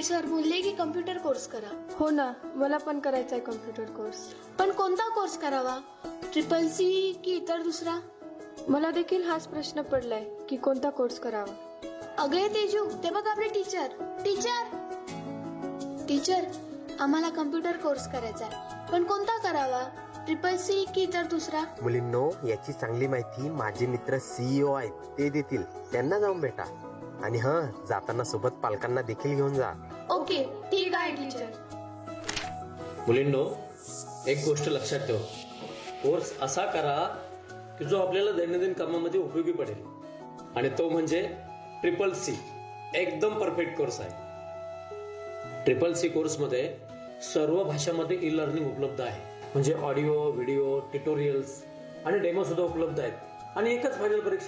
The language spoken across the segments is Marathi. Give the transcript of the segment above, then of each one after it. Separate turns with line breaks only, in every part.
सर बोलले की कम्प्युटर कोर्स करा.
हो ना, मला पण करायचा आहे कम्प्युटर कोर्स.
पण कोणता कोर्स करावा? CCC की इतर दुसरा?
मला देखील हाच प्रश्न पडलाय की कोणता कोर्स करावा.
अगे तेजू, ते बघ आपले टीचर. टीचर, आम्हाला कम्प्युटर कोर्स करायचा आहे, पण कोणता करावा? CCC की इतर दुसरा?
मुलींनो, याची चांगली माहिती माझे मित्र CEO आहेत, ते देतील. त्यांना जाऊन भेटा. आणि जाताना सोबत पालकांना देखील घेऊन जा.
ओके, ठीक आहे टीचर.
मुलींनो, एक गोष्ट लक्षात ठेवा. कोर्स असा करा की जो आपल्याला दैनंदिन कामामध्ये उपयोगी पडेल, आणि तो म्हणजे CCC. एकदम परफेक्ट कोर्स आहे. CCC कोर्समध्ये सर्व भाषांमध्ये ई लर्निंग उपलब्ध आहे. म्हणजे ऑडिओ, व्हिडिओ, ट्युटोरियल्स आणि डेमो सुद्धा उपलब्ध आहेत. आणि एकच फायनल परीक्षा.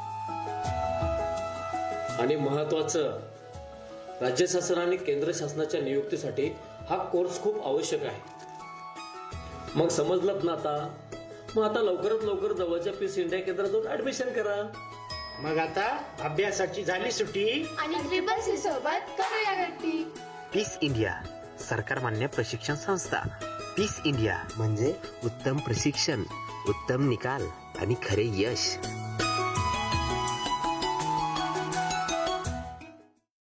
आणि महत्वाचं, राज्य शासन आणि केंद्र शासनाच्या नियुक्तीसाठी हा कोर्स खूप आवश्यक आहे. मग समजलं ना आता? मग आता लवकरात लवकर जवळच्या पीस इंडिया केंद्रात जाऊन ऍडमिशन करा.
मग आता अभ्यासाची झाली सुट्टी.
आणि CCC सोबत करूया गट्टी.
पीस इंडिया, सरकार मान्य प्रशिक्षण संस्था. पीस इंडिया म्हणजे उत्तम प्रशिक्षण, उत्तम निकाल आणि खरे यश.